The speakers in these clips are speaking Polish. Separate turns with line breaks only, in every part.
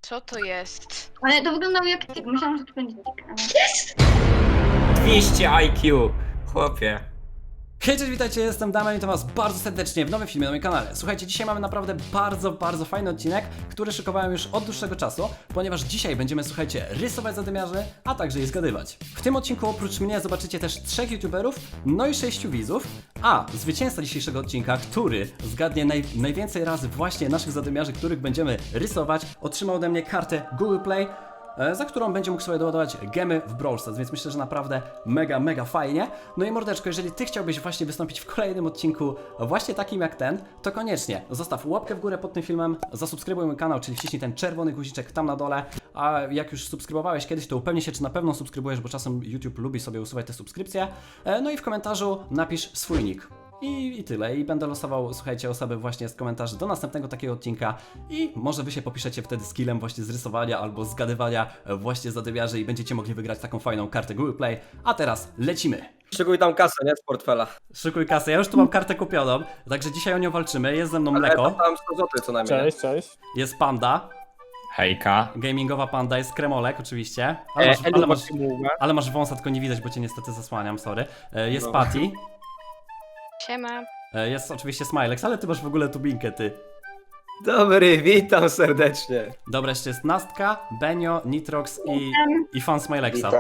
Co to jest?
Ale to wyglądało jak tik. Myślałam, że to będzie tik. Ale...
200 IQ, chłopie.
Hej, cześć, witajcie, jestem Damian i witam was bardzo serdecznie w nowym filmie na moim kanale. Słuchajcie, dzisiaj mamy naprawdę bardzo fajny odcinek, który szykowałem już od dłuższego czasu, ponieważ dzisiaj będziemy, słuchajcie, rysować zadymiarzy, a także je zgadywać. W tym odcinku oprócz mnie zobaczycie też 3 youtuberów, no i 6 widzów, a zwycięzca dzisiejszego odcinka, który zgadnie najwięcej razy właśnie naszych zadymiarzy, których będziemy rysować, otrzymał ode mnie kartę Google Play, za którą będzie mógł sobie doładować gemy w Brawl Stars, więc myślę, że naprawdę mega fajnie. No i mordeczko, jeżeli ty chciałbyś właśnie wystąpić w kolejnym odcinku właśnie takim jak ten, to koniecznie zostaw łapkę w górę pod tym filmem, zasubskrybuj mój kanał, czyli wciśnij ten czerwony guziczek tam na dole, a jak już subskrybowałeś kiedyś, to upewnij się, czy na pewno subskrybujesz, bo czasem YouTube lubi sobie usuwać te subskrypcje. No i w komentarzu napisz swój nick. I tyle. I będę losował, słuchajcie, osoby właśnie z komentarzy do następnego takiego odcinka i może wy się popiszecie wtedy skillem właśnie z rysowania albo zgadywania właśnie zadymiarzy i będziecie mogli wygrać taką fajną kartę Google Play. A teraz lecimy!
Szykuj tam kasę, nie? Z portfela.
Szykuj kasę, ja już tu mam kartę kupioną, także dzisiaj o nią walczymy. Jest ze mną
Ale
Mleko,
tam 100 zł co najmniej.
Cześć, cześć.
jest Panda,
Hejka.
gamingowa Panda, jest Kremolek oczywiście, ale masz wąsa, tylko nie widać, bo cię niestety zasłaniam, sorry. Jest
No.
Patty,
Siema.
jest oczywiście Smilex, ale ty masz w ogóle tubinkę, ty.
Dobry, witam serdecznie.
Dobra, jeszcze jest Nastka, Benio, Nitrox i fan Smilexa.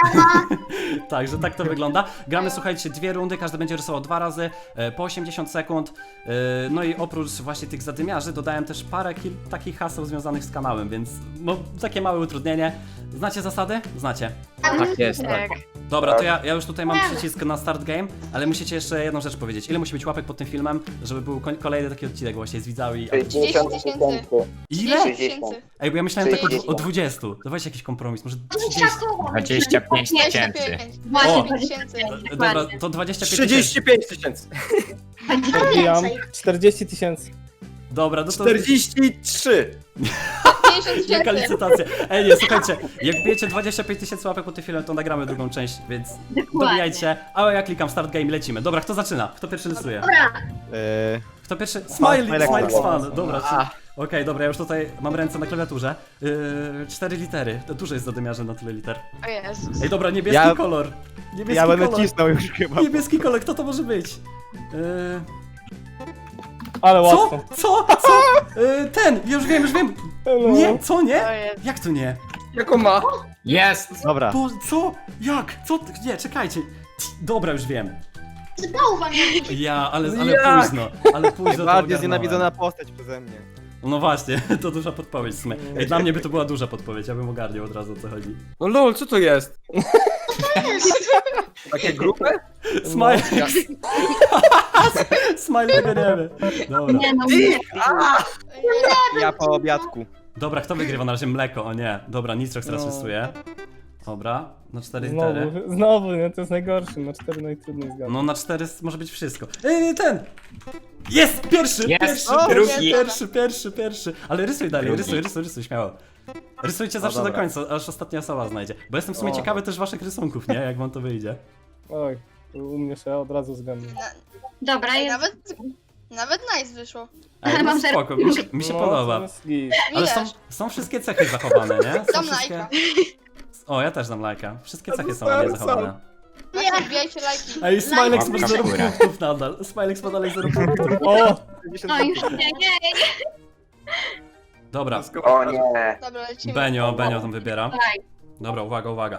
Także tak to wygląda. Gramy, słuchajcie, 2 rundy, każdy będzie rysował 2 razy, po 80 sekund. No i oprócz właśnie tych zadymiarzy dodałem też parę takich haseł związanych z kanałem, więc no, takie małe utrudnienie. Znacie zasady? Znacie.
Tak jest, tak.
Tak.
Dobra, to ja już tutaj mam przycisk na start game, ale musicie jeszcze jedną rzecz powiedzieć. Ile musi być łapek pod tym filmem, żeby był kolejny taki odcinek właśnie z widzami?
30 tysięcy.
Ile?
30 tysięcy.
Ej, bo ja myślałem tak o 20. Dawajcie jakiś kompromis, może 30.
25 tysięcy.
25 tysięcy.
Dobra, to 25 tysięcy.
35 tysięcy.
Odbijam 40 tysięcy.
Dobra, no to
43.
50
jaka
tysięcy.
licytacja. Ej, nie, słuchajcie, jak bijecie 25 tysięcy łapek pod tym filmem, to nagramy drugą część, więc dobijajcie. Ale ja klikam start game, lecimy. Dobra, kto zaczyna? Kto pierwszy rysuje? Kto pierwszy? Smile fan. Dobra, okej, dobra, ja już tutaj mam ręce na klawiaturze. 4 litery. To dużo jest zadymiarzy na tyle liter.
O Jezus.
Ej, dobra, niebieski kolor. Niebieski
Ja będę
kolor.
cisnął już chyba.
Niebieski kolor, kto to może być?
Ale
Co?
łatwo.
Co? Ten! Już wiem.
Hello.
Nie, co nie?
O Jezus.
Jak to nie?
Jaką ma?
Jest!
Dobra.
Bo, co? Jak? Co? Nie, czekajcie. Dobra, już wiem. Ja, ale
Jak?
późno. Ale późno to
Najbardziej
ogarnąłem.
znienawidzona postać przeze mnie.
No właśnie, to duża podpowiedź w sumie. Ej, dla mnie by to była duża podpowiedź, ja bym ogarniał od razu o co chodzi.
No lol, co to jest? Takie grupy?
Smile. Smile tego nie wie. Dobra.
Nie no,
Ja po obiadku.
Dobra, kto wygrywa na razie? Mleko, o nie. Dobra, Nitrox teraz
No.
rysuje. Dobra, na 4 litery.
Znowu, nie, to jest najgorszy, na 4 najtrudniej zgadnąć.
No na 4 może być wszystko. Ten! Jest! Pierwszy!
Jest!
Pierwszy!
Drugi!
Pierwszy! Ale rysuj dalej,
Drugi.
rysuj, śmiało. Rysujcie zawsze do
dobra.
końca, aż ostatnia osoba znajdzie. Bo jestem w sumie
O.
ciekawy też waszych rysunków, nie? Jak wam to wyjdzie.
Oj, u mnie się od razu zgadnę.
dobra,
Ej,
jest.
nawet nice wyszło.
Ej,
Ale
no
mam
spoko, mi się
No,
podoba.
to jest git.
Ale
Widać.
są wszystkie cechy zachowane, nie? Są
Dam
wszystkie...
lajka.
O, ja też dam lajka. Wszystkie cechy są ładnie zachowane.
Właśnie wbijajcie lajki.
Ej, Smilex masz
Łapka w
0
górę.
punktów nadal. Smilex ma dalej 0 punktów.
O!
No już nie.
Dobra,
O nie.
Dobra, lecimy.
Benio tam wybiera.
Daj.
Dobra, uwaga.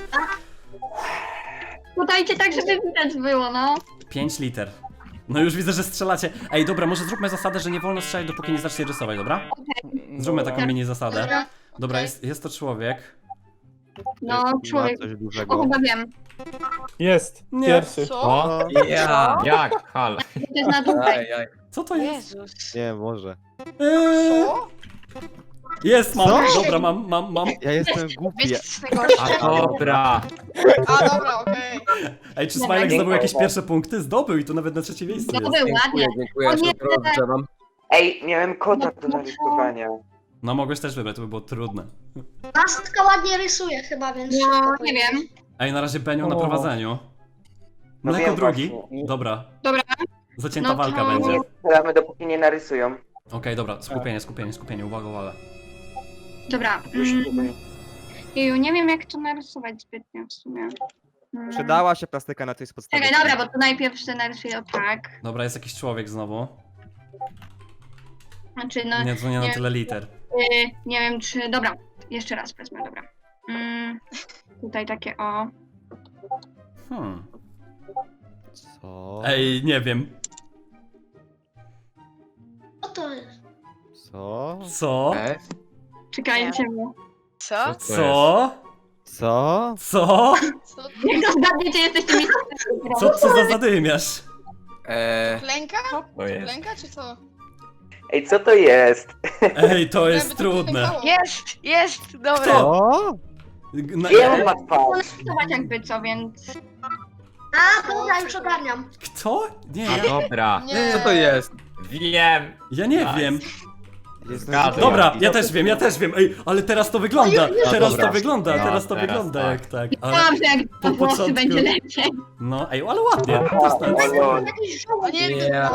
Podajcie tak, żeby widać było, no.
5 liter. No już widzę, że strzelacie. Ej, dobra, może zróbmy zasadę, że nie wolno strzelać, dopóki nie zacznie rysować, dobra? Zróbmy taką mini zasadę.
Dobra.
Dobra,
Okej.
jest to człowiek.
No,
Ma
człowiek.
coś
O,
dużego.
chyba wiem.
Jest!
Nie.
Pierwszy.
Co?
O,
Ja.
jak? Hal.
To jest na dłużej.
Aj.
Co to jest?
Jezus.
Nie, może.
Co?
Jest, mam.
Co?
Dobra, mam.
Ja jestem głupi.
Wiecie, co jest najgorsze?
A dobra.
A, dobra, okej.
Ej, czy Smilek zdobył jakieś pierwsze punkty? Zdobył i to nawet na trzecie miejsce
To
jest.
był ładnie.
Dziękuję,
O
ja
nie.
się dobrze mam.
Ej, miałem kota do narysowania.
No mogłeś też wybrać, to by było trudne.
Nastka ładnie rysuje chyba, więc...
No,
szybko
nie wiem.
Ej, na razie Benio na
O.
prowadzeniu.
No
Mleko
wiem
drugi.
właśnie.
Dobra.
Dobra.
Zacięta
No to-
walka będzie.
Nie strzelamy dopóki nie narysują.
Okej, dobra, skupienie, uwaga.
Dobra. Jeju, nie wiem jak to narysować zbytnio w sumie.
Przydała się plastyka na coś z podstawy.
Czekaj, dobra, bo to najpierw się narysuję o tak.
Dobra, jest jakiś człowiek znowu.
Znaczy, no,
Nie, to nie na tyle liter.
nie wiem czy... Dobra, jeszcze raz wezmę, dobra. Tutaj takie o...
Co?
Ej, nie wiem.
Co to jest?
Co?
Co?
Czekajcie, bo...
Co?
Co?
Co?
Co?
Co?
Jak to zgadniecie, jesteście mi...
Co za zadymiarz?
Klęka?
To jest.
Klęka czy co?
Ej, co to jest?
Ej, to jest
Jakby to
trudne.
klękało.
Jest, dobra.
Kto?
Co?
Gdzie on ma twarz?
Zobacz jakby co, więc...
A, dobra, już ogarniam.
Kto? Nie, ja,
Dobra.
Nie.
Co to jest?
Wiem.
ja nie wiem.
Jestem
Zgadłem.
Dobra, ja też wiem. Ej, ale teraz to wygląda. Teraz
dobra.
to wygląda,
No,
teraz to
teraz
wygląda
tak.
jak tak. Ale,
Myślałam, że jak
po
to włosy
początku-
będzie lepiej.
no, ej, ale ładnie. To jest tak.
Jakiś
O
żołd.
nie,
Nie.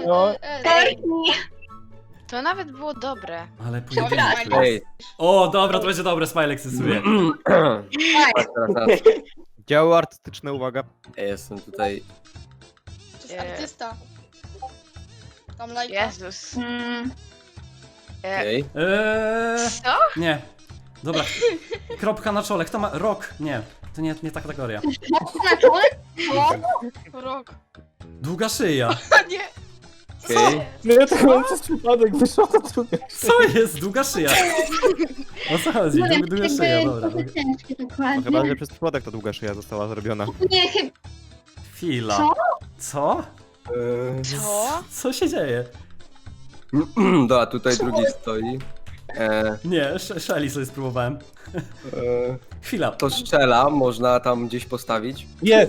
To nawet było dobre.
Ale
Dobra,
pojedynek.
Ej.
O, dobra, to będzie dobre, Smilek stosuje.
Patrz teraz.
Działo artystyczne, uwaga.
Ej, jestem tutaj.
To jest artysta. Tam lajka.
Jezus.
Okej.
Co?
Nie. Dobra. Kropka na czole. Kto ma... Rok. Nie. To nie ta kategoria.
Na czole?
Rok.
Długa szyja.
A nie.
Okej.
No ja tak mam przez przypadek, wyszło to drugie.
Co jest? Długa szyja. O co chodzi?
Nie wiem,
Długa szyja,
jakby
dobra.
trochę ciężkie
No
dokładnie.
chyba, że przez przypadek ta długa szyja została zrobiona.
Nie, chyba...
Chwila.
Co?
Co?
Co?
Co się dzieje?
Dobra, tutaj drugi stoi.
Nie, Shelly sobie spróbowałem. Chwila.
To strzela, można tam gdzieś postawić.
Jest!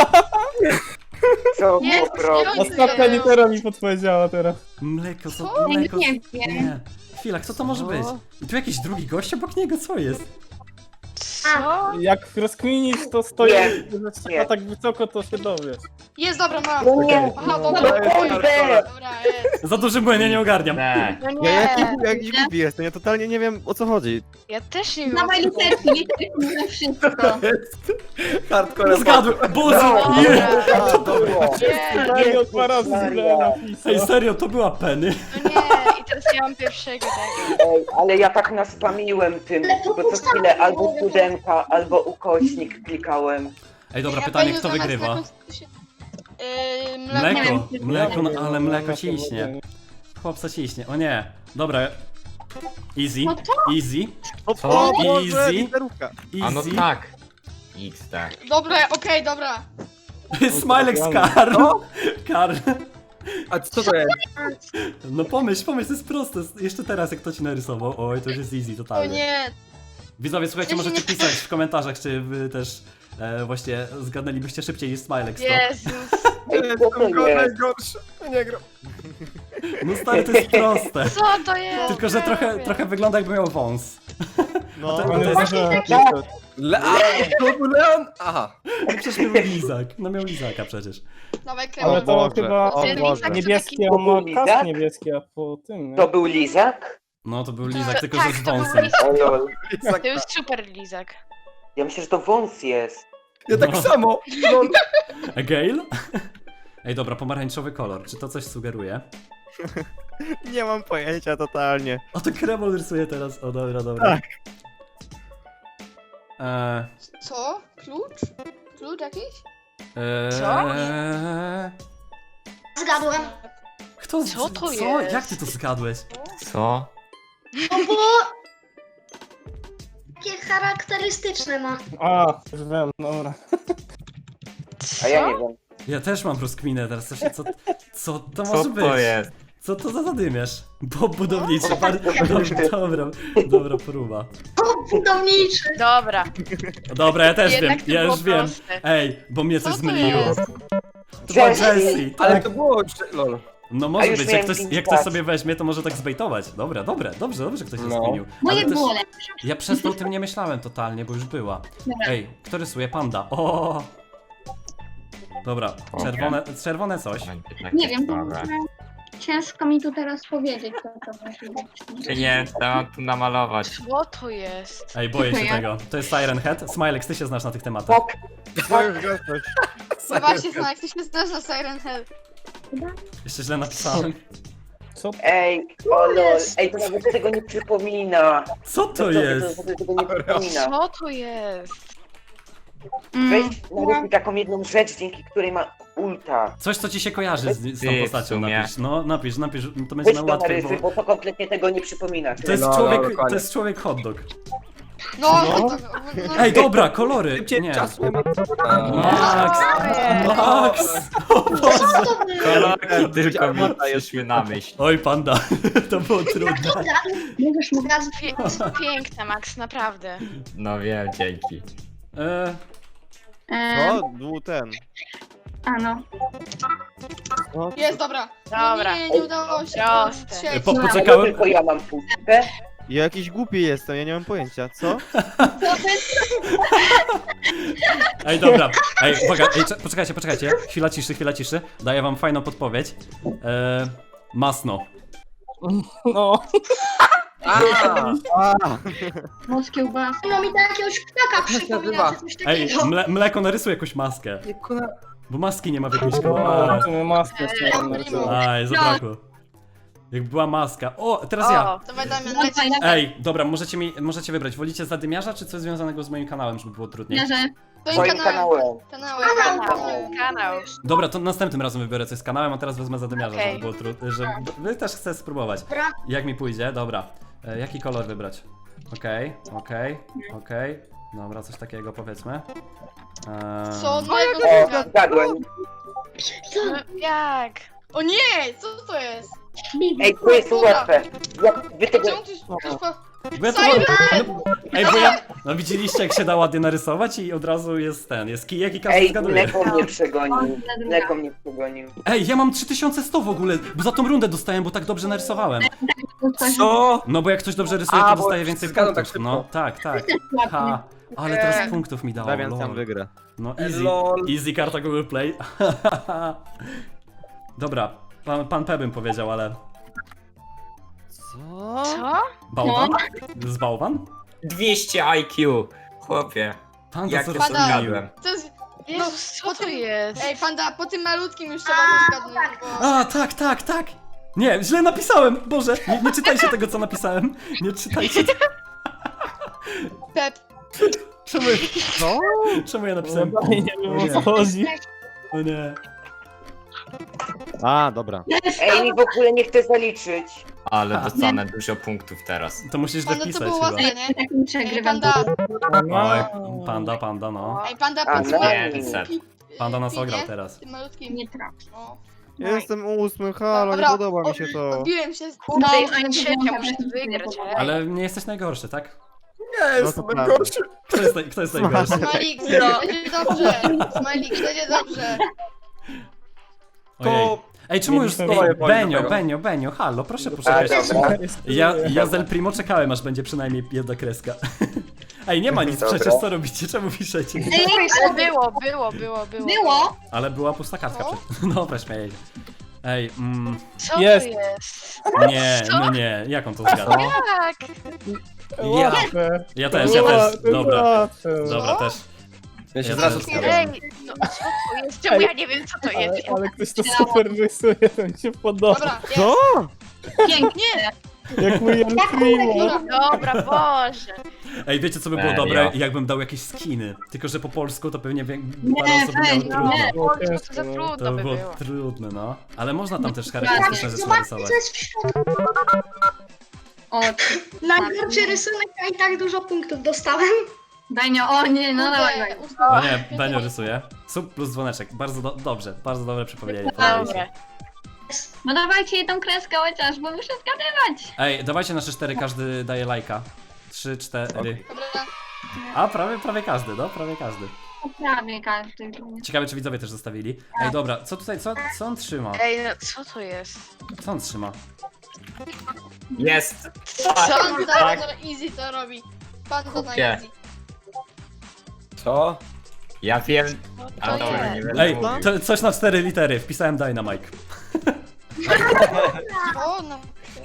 Co
Jest,
po prostu?
jest.
Ostatnia litera mi podpowiedziała teraz.
Mleko, co?
Co?
Mleko.
Nie wiem.
Nie. Chwila, kto to może być? I tu jakiś drugi gość obok niego? Co jest?
Co?
Jak rozkminisz, to stoi,
Nie.
że trzeba
Nie.
tak wysoko, to się dowiesz.
Jest, dobra, mam.
No nie.
Aha,
No
dobra.
kurde.
Dobra, jest.
Za duży błęd, ja nie ogarniam.
Nie.
No
Ja
nie.
jakiś głupi jestem, ja totalnie nie wiem o co chodzi.
Ja też nie wiem.
Dawaj literki, literki mówią wszystko.
Hardcore.
Zgadłem! Boże!
No,
Nie!
dobra. Nie,
Daniel dwa razy źle napisał.
Ej, serio, to była Penny.
no nie. I teraz ja mam pierwszego tego.
Ej, ale ja tak naspamiłem tym, bo co chwilę albo studentka, albo ukośnik klikałem.
Ej, dobra,
Ja
pytanie,
pewnie
kto
zamiast
wygrywa?
jakąś-
Mleko,
Nie wiem.
mleko, no ale mleko ciśnie. Chłopca ciśnie, o nie. Dobra. Easy,
No
easy,
O,
Co?
o Boże,
Easy.
literówka.
A no
easy.
tak. XT.
Dobra, okej, dobra.
Smilek z Karl. Karl.
A co to jest?
No pomyśl, to jest proste. Jeszcze teraz jak to ci narysował. Oj, to już jest easy,
O
totalnie.
nie.
Widzowie, słuchajcie, możecie pisać w komentarzach, czy wy też właśnie zgadnęlibyście szybciej niż Smilek.
Jezus.
Ej, co to jest?
Najgorsze. Nie gram.
No stary, to jest proste.
Co to jest?
Tylko, że trochę wygląda jakby miał wąs.
No,
to-
Ale
jest-
zdążyłem napisać.
To był Leon? Aha.
No przecież miał lizak. No miał lizaka przecież.
Dawaj,
Ale
krema.
to
Boże,
chyba
o Boże.
niebieskie,
To
on ma
był
kask
lizak?
niebieski, a po tym, nie?
To był lizak?
No to był lizak,
To-
tylko
tak,
że z
to był
wąsem.
lizak.
O lol.
To jest super lizak.
Ja myślę, że to wąs jest.
Ja tak
No.
samo. Lol.
A Gale? Ej, dobra, pomarańczowy kolor. Czy to coś sugeruje?
Nie mam pojęcia totalnie.
O, to Kremol rysuje teraz. O, dobra.
Tak.
Co? Klucz? Klucz jakiś?
Zgadłem.
Kto
Co to
Co?
jest?
Jak ty to zgadłeś?
Co?
No bo... Takie charakterystyczne ma.
A, już wiem, dobra.
A ja nie wiem.
Ja też mam rozkminę teraz. Co to
Co
może być?
to jest?
Co to za zadymiarz? Bob budowniczy.
No.
Dobra próba.
O, budowniczy.
Dobra.
Dobra, ja też
Jednak
wiem.
to
Ja
było
już wiem.
proste.
Ej, bo mnie coś
Co to
zmyliło.
jest?
To była
Jessie.
Jessie.
Ale
Tak.
to było... Lol.
No
A
może
już
być,
miałem
jak
pinch
ktoś
dać.
sobie weźmie, to może tak zbejtować. Dobra, dobrze, ktoś się
No.
zmienił.
Moje
Ale też
było lepsze.
ja przez to o tym nie myślałem totalnie, bo już była.
Dobra.
Ej, kto rysuje? Panda. O. Dobra, czerwone coś.
Tak,
Nie wiem.
Dobra.
Ciężko mi tu teraz powiedzieć, co to może być.
Nie, to mam tu namalować.
Co to jest?
Ej, boję się
Dziękuję.
tego. To jest Siren Head. Smilek, ty się znasz na tych tematach.
Fok.
To już gasność.
No właśnie, Snak, ty się znasz na Siren Hell.
Jeszcze źle napisałem.
Co?
Ej, o lol. Ej, to nawet tego nie przypomina.
Co to jest?
To tego nie przypomina.
Co to jest?
Weź narysuj taką jedną rzecz, dzięki której ma ulta.
Coś, co ci się kojarzy z tą
Ty, w
postacią,
sumie.
napisz. No, napisz, to będzie
Weź
nam
to
łatwiej,
narysuj,
bo...
bo to kompletnie tego nie przypomina.
To jest
No,
człowiek,
dokładnie.
to jest człowiek hot dog.
No, no,
Ej, dobra, kolory!
Szybciej,
Nie.
czasu nie ma.
Max! Max! O Boże!
Kolorki tylko mi
Armata jest.
przyszły na myśl.
Oj, panda, to było trudne.
Możesz mu raz
Piękne, Max, naprawdę.
No wiem, dzięki.
No, był ten.
A no.
No,
jest, dobra.
Dobra.
Nie udało się.
Proste.
Trzeci.
Poczekałem.
Tylko ja mam pustkę.
ja jakiś głupi jestem, ja nie mam pojęcia, co?
Ej, dobra. Ej, uwaga, ej, poczekajcie. Chwila ciszy. Daję wam fajną podpowiedź. Masno.
No.
Włos kiełbas.
No mi to jakiegoś ptaka przypomina, czy coś
Ej,
takiego.
mleko narysuj jakąś maskę. Bo maski nie ma w jakiejś kolorze.
Tu my maskę chciałem narysować.
Aj, zabrakło. Jak była maska. O, teraz ja.
O,
Dawaj, Damian,
No,
leci.
fajna
Ej, dobra, możecie wybrać. Wolicie zadymiarza, czy coś związanego z moim kanałem, żeby było trudniej?
bierze.
Twoim kanałem.
kanał.
Dobra, to następnym razem wybiorę coś z kanałem, a teraz wezmę zadymiarza,
Okej.
żeby było trudniej. Wy też chcę spróbować.
Dobra.
Jak mi pójdzie? Dobra. Jaki kolor wybrać? Okej. Dobra, coś takiego powiedzmy.
Co? No,
O, zgadłem.
No, jak?
O nie, co to jest?
Ej, to jest łatwe. Jak wy tego...
Czemu ty...
Bo ja to Ej, bo ja... No widzieliście, jak się da ładnie narysować i od razu jest jest kijek i każdy
Ej,
zgaduje.
mleko mnie przegonił. Mleko mnie przegonił.
Ej, ja mam 3100 w ogóle, bo za tą rundę dostałem, bo tak dobrze narysowałem.
Co?
No bo jak ktoś dobrze rysuje,
A,
to
bo
dostaje więcej
zgadzam
punktów.
tak
No, tak. Ha, ale teraz punktów mi dało,
Damian
lol.
sam wygra.
No
Lol.
easy karta Google Play. Dobra, pan P bym powiedział, ale...
Co?
Co?
Bałwan? Z bałwan?
200 IQ. Chłopie,
Panda
jak
co
to
Pada.
zgadłem.
To jest...
Jezus, co
po
to
tym-
jest?
Ej, panda, po tym malutkim już trzeba to zgadnąć, bo...
A, tak. Nie, źle napisałem, Boże, nie czytajcie tego, co napisałem. Nie czytajcie.
Pep.
Czemu ja napisałem?
Nie wiem o co chodzi.
No nie.
A, dobra.
Ej, mi w ogóle nie chce zaliczyć.
Ale dostanę dużo punktów teraz.
To musisz
Panda, to
dopisać
było
chyba.
łatwe, nie?
Tak mi
Ej,
przegrywam.
panda.
Oj, panda, no.
Ej, panda,
A,
po tym
no.
malutkim.
Panda nas
Nie?
ograł teraz.
Tym malutkim.
Nie trafi.
O.
Ja jestem 8, halo, nie
Dobra,
podoba mi się to.
Odbiłem się.
No,
Ej,
ale
trzecia, muszę to wygrać, ale...
Ale nie jesteś najgorszy, tak?
Nie,
No
jestem
to
najgorszy.
Kto jest najgorszy?
Smajlik, będzie dobrze. Smajlik, będzie dobrze.
Ojej. Ej, czemu już...
Nie
Ej,
powiem
Benio, halo, proszę
A,
poczekać.
dobra.
Ja z El Primo czekałem, aż będzie przynajmniej jedna kreska. Ej, nie ma nic
Dobra.
przecież, co robicie? Czemu piszecie?
Ale było.
Było?
Ale była pusta kartka
Co?
przed... Dobra, śmieję się. Ej,
Co
Jest.
to jest?
nie,
Co?
no nie, jak on to zgadza?
Jak?
Łatwe.
Ja też, dobra. Dobra, też.
Ja się
Ja
zrazu
też.
Ej, no co to jest? Czemu ja nie wiem, co to jest?
Ale ktoś to super rysuje, to mi się podoba.
Dobra, jest.
Co?
Pięknie.
Jak mój El Primo.
Dobra, Boże.
Ej, wiecie co by było
Serio?
dobre? Jakbym dał jakieś skiny. Tylko, że po polsku to pewnie parę osób miało
weź,
trudno.
Nie,
Było
Boże, to
ciężko,
za
no.
trudno
To by
by
było
było.
trudne, no. Ale można tam też charakterystyczne rzeczy
Zobaczcie,
narysować.
co jest w środku.
O,
Najgorszy rysunek, a i tak dużo punktów dostałem.
Benio, o nie, no dawaj, dawaj.
O nie, Benio rysuje. Sub plus dzwoneczek. Bardzo dobrze, bardzo dobre przypomnienie. Podoba mi się.
Dobra.
No dawajcie jedną kreskę chociaż, bo muszę zgadywać.
Ej, dawajcie na 3-4, każdy daje lajka. 3, 4.
Dobra.
A, prawie każdy, no, prawie każdy.
Prawie każdy.
Ciekawe, czy widzowie też zostawili. Ej, dobra, co tutaj, co on trzyma?
Ej, no co to jest?
Co on trzyma?
Jest!
Panda
tak.
to easy to robi. Panda to na
Kupię.
easy.
Co?
Ja wiem,
Co
ale
to
dobra,
jest?
nie będę
Ej,
mówił.
to coś na 4 litery, wpisałem Dynamite.
O, no.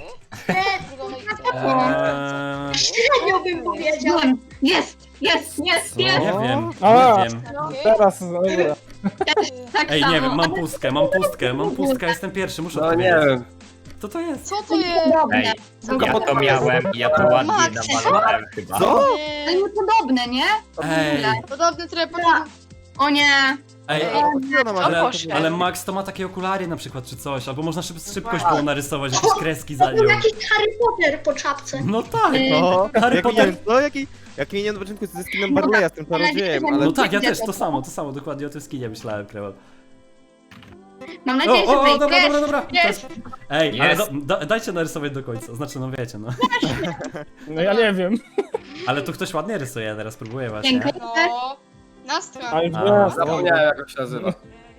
Średnio bym powiedział.
Jest!
Nie wiem,
A.
nie wiem.
Teraz, dobra.
Tak
Ej,
samo.
nie wiem, mam pustkę, jestem pierwszy, muszę
No nie
odpowiedzieć.
wiem.
Co to jest?
Co to jest?
Ej, ja to miałem i ja to ładnie namalowałem chyba.
Co?
Ale niepodobne, nie?
Ej,
Podobny trochę podobny.
O nie!
ej,
Co ona ma?
Ale-
ale Max to ma takie okulary na przykład czy coś, albo można szybkość było narysować, jakieś kreski za nią.
Był jakiś Harry Potter po czapce.
No tak,
No,
Harry
jak
Potter.
minion, no jaki minion na początku ze skinem Barleya, z tym czarodziejem, ale...
No tak, ja też, to samo, dokładnie o tym skinie myślałem, Krewel.
Mam
O,
nadzieję, że
o,
wyjdzie.
dobra. To jest... Ej, ale
Jest.
dajcie narysować do końca, znaczy no wiecie, no.
No ja nie wiem.
Ale tu ktoś ładnie rysuje, ja teraz próbuję właśnie.
Dziękuję.
No. Nastra.
Ale
A.
teraz.
Zapomniałem jak on się nazywa.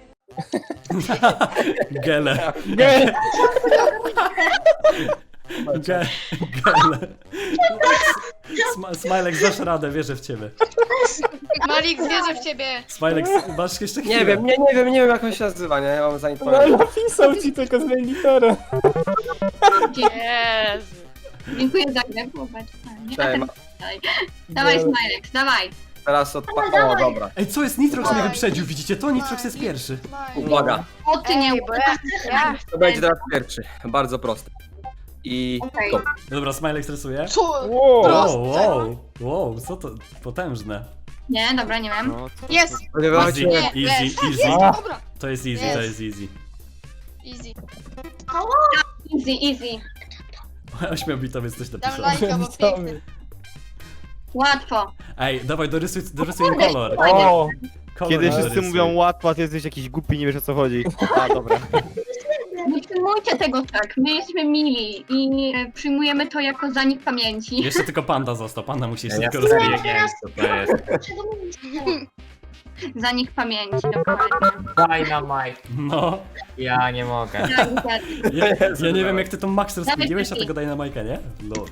Gele.
Nie,
Gele. Smilek, dasz radę, wierzę w ciebie.
Malik, wierzę w ciebie.
Smilek, masz jeszcze chwilę.
Nie wiem jak on się nazywa, nie? Ja mam za nic
no
pamięć.
napisał ci tylko zmień literę.
Jezu.
Dziękuję za grę, popatrz.
Cześć,
Dawaj, Smilex, dawaj.
teraz O, dobra.
Ej, co jest? Nitrox mnie wyprzedził, widzicie to? Nitrox jest pierwszy.
Uwaga.
O ty nie
Ej, bo ja
To będzie teraz pierwszy. Bardzo prosty. I
Okej.
to.
Dobra, Smilek stresuje.
Co?
Wow.
Wow, co to? Potężne.
Nie, dobra, nie wiem.
No,
Jest.
Spodziewajcie
Easy,
się.
Nie,
easy.
Dobra.
To jest easy, to jest easy.
Easy.
Easy.
Ośmiobitowiec coś
Dam
napisał.
lajka, bo piękny.
Łatwo.
Ej, dawaj, dorysuj im kolor.
O,
Kolor
kiedy
dorysuj.
wszyscy mówią łatwo, ty jesteś jakiś głupi, nie wiesz o co chodzi. A, dobra.
Nie przyjmujcie tego tak. My jesteśmy mili i przyjmujemy to jako zanik pamięci.
Jeszcze tylko panda został, panda musi jeszcze
Ja
tylko
sobie
rozwijać.
nie wiem co to jest.
Zanik pamięci, dokładnie.
Dynamite.
No.
Ja nie mogę.
Ja nie wiem jak ty tą Max rozkminiłeś, a tego daj na Majkę, nie? Lol.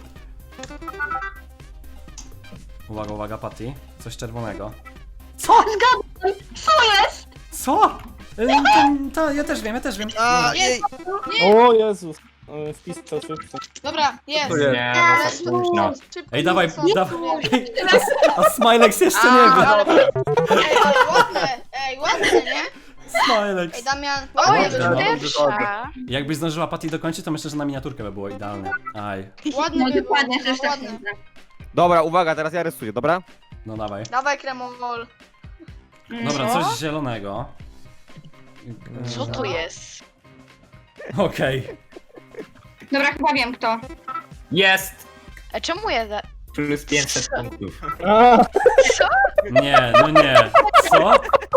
Uwaga, Patty. Coś czerwonego.
Co? Zgadłem! Co jest?
Co? Ja też wiem.
A,
Jest.
o Jezus. Wpis to szybko.
Dobra, jest.
Nie, no za późno.
Szybko,
Ej, dawaj,
co?
dawaj. A Smilex jeszcze nie wie.
Ej, ale ładne. Ej, ładne, nie?
Smilex.
Ej, Damian.
O,
Ładne,
jest pierwsza.
Jakbyś zdążyła Patty dokończyć, to myślę, że na miniaturkę by było idealne. Aj.
ładne
No
by było.
dokładnie, też tak
Ładne.
sądzę.
Dobra, uwaga, teraz ja rysuję, dobra?
No dawaj.
Dawaj kremowol.
Dobra,
No.
coś zielonego.
Co tu jest?
Okej.
Dobra, chyba wiem kto.
Jest!
A czemu ja za...
Plus 500 punktów.
A,
Nie, no nie. Co?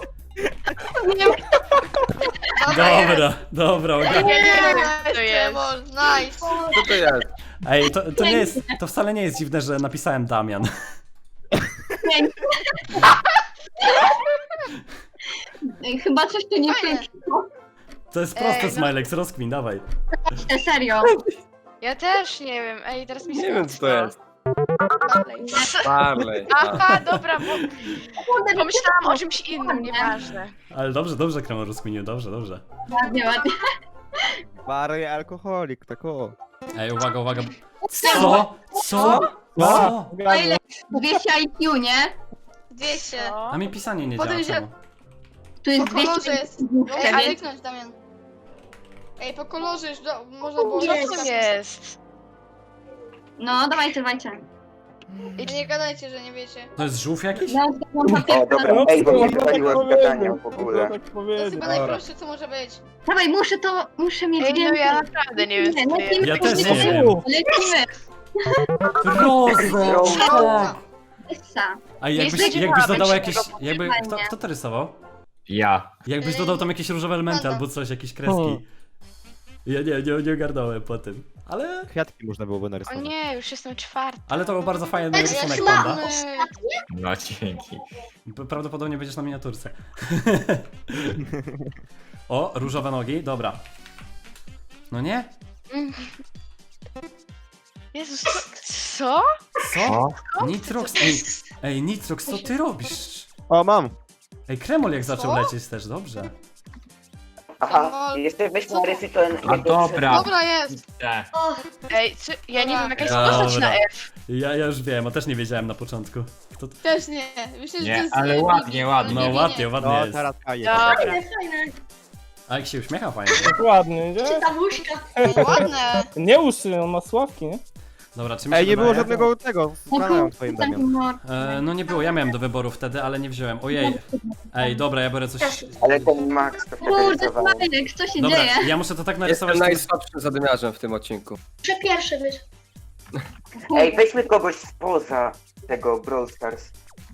Dobra,
Ja
ogarnę.
nie wiem,
Nice,
co to jest.
kremol. Nice.
Co to jest?
Ej, to nie jest, to wcale nie jest dziwne, że napisałem Damian.
Chyba coś tu nie
Fajne.
pykło.
To jest proste,
Ej, no.
Smilex, rozkmin, dawaj.
Serio.
Ja też nie wiem. Ej, teraz mi
Nie wiem co to
smutno.
jest.
Dalej.
Barley.
Aha, dobra, bo pomyślałam o czymś innym, nieważne.
Ale dobrze, Kremor rozkminił, dobrze.
Ładnie.
Barley alkoholik, tak o.
Ej, uwaga. Co?
a, zgadłem.
200 IQ, nie?
200.
A mi pisanie nie działa,
Potem się-
czemu?
Tu jest
Po kolorze
200
jest. Ej, a kliknąć, Damian. Ej, po kolorze już można było...
Co to jest?
No, dawajcie.
I nie gadajcie, że nie wiecie.
To jest żółw jakiś?
Ja mam
O, dobra,
No,
ej, bo mnie
tak
wywaliło z
powiedział,
gadania w ogóle.
tak
To jest
powiedział.
chyba najprostsze, co może być.
Dawaj, muszę mieć
Ej, no
więcej.
ja naprawdę nie wiem, co to jest.
Ja też nie wiem.
Lecimy.
Roza!
Roza.
Essa.
A
Nie
jakbyś
spodziewałabym
dodał
się
jakieś...
tego
Jakby,
poszukiwania.
kto to rysował?
Ja.
Jakbyś dodał tam jakieś różowe elementy
Panda.
albo coś, jakieś kreski. Ja nie ogarnąłem po tym. Ale...
Kwiatki można byłoby
O
narysować.
nie, już jestem czwarty.
Ale to był bardzo fajny
Ej,
rysunek,
ja
Panda.
No dzięki.
Prawdopodobnie będziesz na miniaturce. O, różowe nogi, dobra. No nie?
Jezus, co?
Co? Nitrox, ej, Nitrox, co ty robisz?
O, mam!
Ej, Kremol jak zaczął
Co?
lecieć też, dobrze.
Aha, jeszcze weźmy na rysy ten...
A dobra.
Dobra, jest.
O,
Ej, co? Ja nie wiem, jaka jest
Dobra.
postać na F.
Ja już wiem, a też nie wiedziałem na początku. Kto to...
Też nie. Myślę, że to
Nie,
jest...
ale ładnie, ładnie.
No ładnie, ładnie
No,
jest.
teraz kaje.
Dobra.
fajne, fajne.
A jak się uśmiecha fajnie.
Dokładnie, nie?
Czy ta łóżka?
Ładne.
Nie uszy, on ma sławki, nie?
Dobra, czy mi się
Ej, nie było
wydaje?
żadnego tego z kanałem twoim, Damian.
No nie było, ja miałem do wyboru wtedy, ale nie wziąłem. Ojej. Ej, dobra, ja biorę coś...
Ale ten Max to
Kurde,
narysował.
Smajlek, co się
Dobra,
dzieje?
ja muszę to tak narysować...
Jestem
żeby-
najsłabszym zadymiarzem w tym odcinku.
Muszę pierwszy być.
Ej, weźmy kogoś spoza tego Brawl Stars.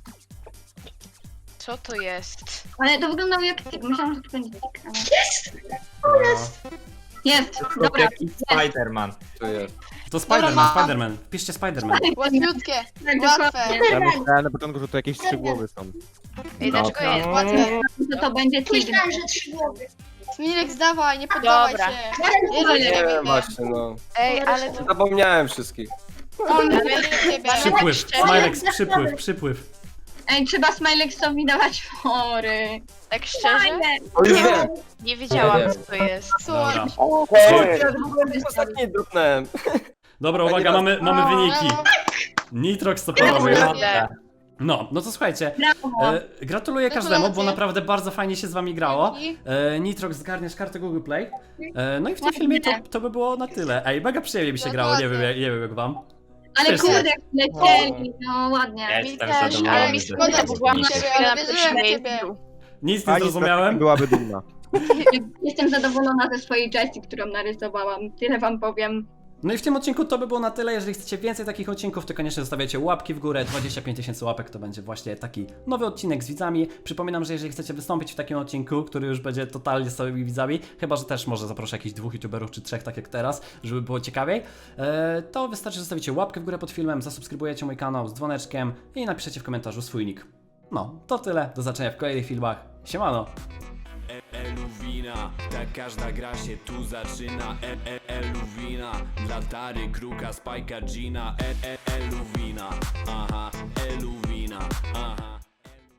Co to jest?
Ale to wyglądało jak tik, myślałam, że to będzie tik. ale-
No.
Jest,
To
dobra.
jaki Spider-Man.
Tu jest.
To Spider-Man,
mam.
Spider-Man. Wpiszcie Spider-Man.
Łatwiutkie.
Tak,
Łatwe.
dokładnie.
Ja myślałem na początku, że to jakieś 3 głowy są.
Ej, dlaczego
Dobra.
jest?
Łatwe.
To będzie tik.
Myślałem, że 3 głowy.
Smilek, zdawaj, nie poddawaj
Dobra.
się. Wierzę
Nie
w ciebie.
wiem właśnie, no.
Ej, ale to...
Zapomniałem wszystkich.
Wierzę w ciebie.
Przypływ,
szczerze?
Smilek, przypływ.
Ej, trzeba Smileksowi dawać fory.
Tak szczerze?
O, już wiem.
Nie wiedziałam,
Nie
co to jest.
Dobra.
Hej!
Ostatni drupnąłem.
Dobra, uwaga, mamy wyniki. Nitrox to połowy.
Kurde.
No to słuchajcie,
Brawo.
gratuluję każdemu, bo
Gratulacje.
naprawdę bardzo fajnie się z wami grało. Nitrox, zgarniesz kartę Google Play. No i w tym filmie to by było na tyle. Ej, mega przyjemnie mi się grało, nie wiem jak wam.
Ale
Wszyscy.
kurde, lecieli, no ładnie.
Jestem
też,
zadowolony.
Ale mi
że
szkoda,
to
bo byłam
jest
ciebie,
chwilę
ale
na
wierzyłem w
pierwszym
ciebie.
miejscu.
Nic nie
Pani
zrozumiałem.
byłaby dumna.
Jestem zadowolona ze swojej Jessie, którą narysowałam. Tyle wam powiem.
No i w tym odcinku to by było na tyle. Jeżeli chcecie więcej takich odcinków, to koniecznie zostawiacie łapki w górę. 25 000 łapek to będzie właśnie taki nowy odcinek z widzami. Przypominam, że jeżeli chcecie wystąpić w takim odcinku, który już będzie totalnie z całymi widzami, chyba że też może zaproszę jakichś 2 youtuberów czy 3, tak jak teraz, żeby było ciekawiej, to wystarczy, że zostawicie łapkę w górę pod filmem, zasubskrybujecie mój kanał z dzwoneczkiem i napiszecie w komentarzu swój nick. No, to tyle. Do zobaczenia w kolejnych filmach. Siemano!
Eluwina, tak każda gra się tu zaczyna. Eluwina, dla Tary, Kruka, Spajka, Gina. Eluwina, aha, Eluwina, aha.